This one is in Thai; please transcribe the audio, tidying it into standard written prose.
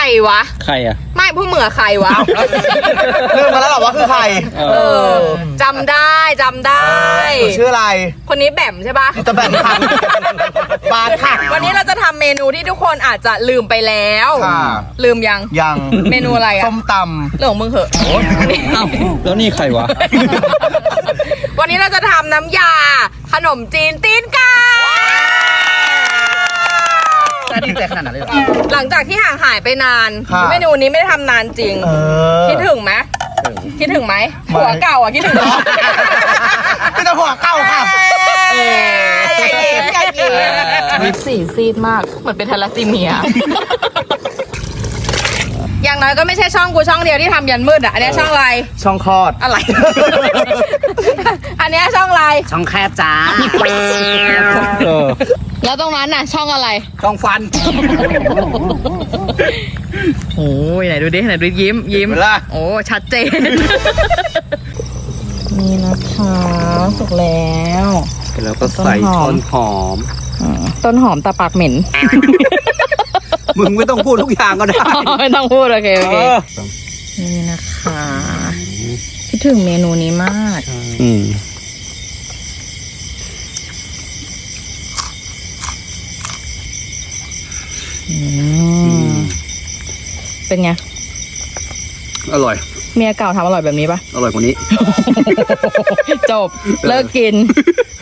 วะใครอ่ะไม่พวกมึงอะใครวะลืมมาแล้วเหรอว่าคือใครจำได้จำได้ชื่ออะไรคนนี้แบมใช่ปะจะแบบค่ะบานค่ะวันนี้เราจะทำเมนูที่ทุกคนอาจจะลืมไปแล้วค่ะลืมยังยังเมนูอะไรอะส้มตเรื่องของมึงเหอะอ้าวแล้วนี่ใครวะวันนี้เราจะทำน้ำยาขนมจีนตีนไก่ำจะดีใจขนาดนั้นเลยเหรอหลังจากที่ห่างหายไปนานค่ะเมนูนี้ไม่ได้ทำนานจริง คิดถึงไหมคิดถึงไหมหัวเก่าอ่ะคิดถึงไหมพี่จะหัวเก่าค่ะสีซีดมากเหมือนเป็นทาลัสซีเมีย อย่างน้อยก็ไม่ใช่ช่องกูช่องเดียวที่ทำยันมืดอ่ะอันนี้ช่องอะไรช่องคลอดอะไร อันนี้ช่องอะไรช่องแคบจ้าเออแล้วตรงนั้นน่ะช่องอะไรช่องฟันโอ้ยไหนดูดิไหนดูยิ้มเวลาโอ้ชัดเจน นี่นะคะสุกแล้วแล้วก็ใส่ต้นหอมต้นหอมตาปากเหม็นมึงไม่ต้องพูดทุกอย่างก็ได้ไม่ต้องพูดโอเคโอเอเคอนี่นะคะคิดถึงเมนูนี้มากอืมเป็นไงอร่อยเมียเก่าทำอร่อยแบบนี้ปะอร่อยกว่านี้จบ เลิกกิน